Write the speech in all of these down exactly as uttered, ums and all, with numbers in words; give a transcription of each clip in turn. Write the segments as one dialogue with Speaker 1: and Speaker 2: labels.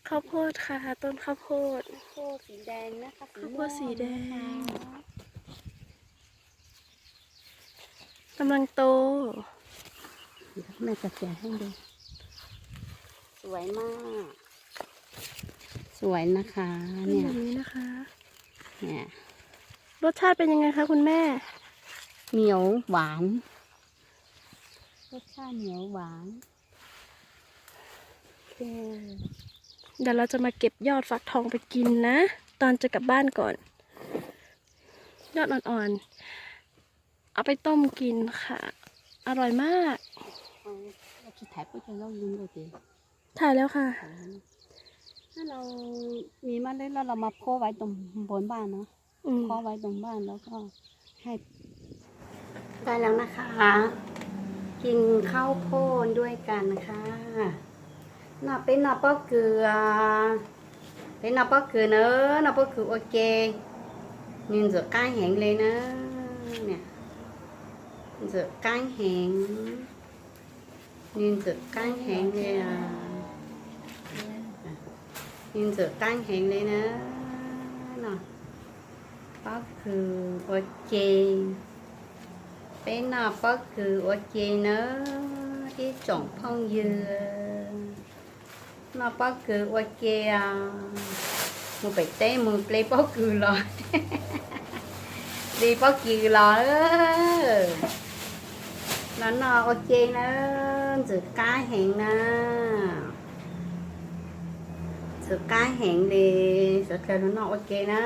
Speaker 1: ข้าวโพดค่ะต้นข้าวโพด
Speaker 2: ข้าวโพดสีแดงนะคะสี
Speaker 1: ข้าวโพ
Speaker 2: ม่ว
Speaker 1: ด
Speaker 2: ง
Speaker 1: สีแด
Speaker 2: นะคะ
Speaker 1: งกำลังโต
Speaker 2: เดี๋ยวแม่จะแกะให้ดูสวยมาก สวยนะคะ
Speaker 1: เป็น
Speaker 2: เนี่ย
Speaker 1: แบบนี้นะคะ
Speaker 2: เนี่ย
Speaker 1: รสชาติเป็นยังไงคะคุณแม่
Speaker 2: เหนียวหวานรสชาติเหนียวหวานโอเค
Speaker 1: เดี๋ยวเราจะมาเก็บยอดฟักทองไปกินนะ ตอนจะกลับบ้านก่อน ยอดอ่อนๆ เอาไปต้มกินค่ะ อร่อยมาก
Speaker 2: เอาเราจะถ่ายปุ๊บเราลืมเลยดิ
Speaker 1: ถ่ายแล้วค่ะ
Speaker 2: ถ้าเรามีเมล็ดแล้วเรามาโพไว้ตรงบนบ้านเนาะ
Speaker 1: อืม
Speaker 2: เพาะไว้ตรงบ้านแล้วก็ให้ได้แล้วนะคะ กินข้าวโพดด้วยกันค่ะน่าเป็นน่าป้อเกลือเป็นน่าป้อเกลือเนอะน่าป้อเกลือโอเคnhìn giữa cay hẹn lên á nè giữa cay hẹn nhìn giữa cay hẹn lên à nhìn giữa cay hẹn lên á nèป้อคือโอเคเป็นน่าป้อคือโอเคเนอะที่จ่องพ่องยือน่าป้อคือโอเคอ่ะมือไปเต้มือเปลป้อคือหรอ điป้อคือหรอเออnó nó ok nó giữa cá hẹn nè giữa cá hẹn đi giữa kêu nó nó ok nó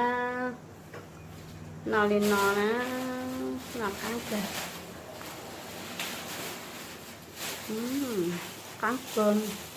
Speaker 2: nó lên nó nó nó cá kìa ừ, cá cơm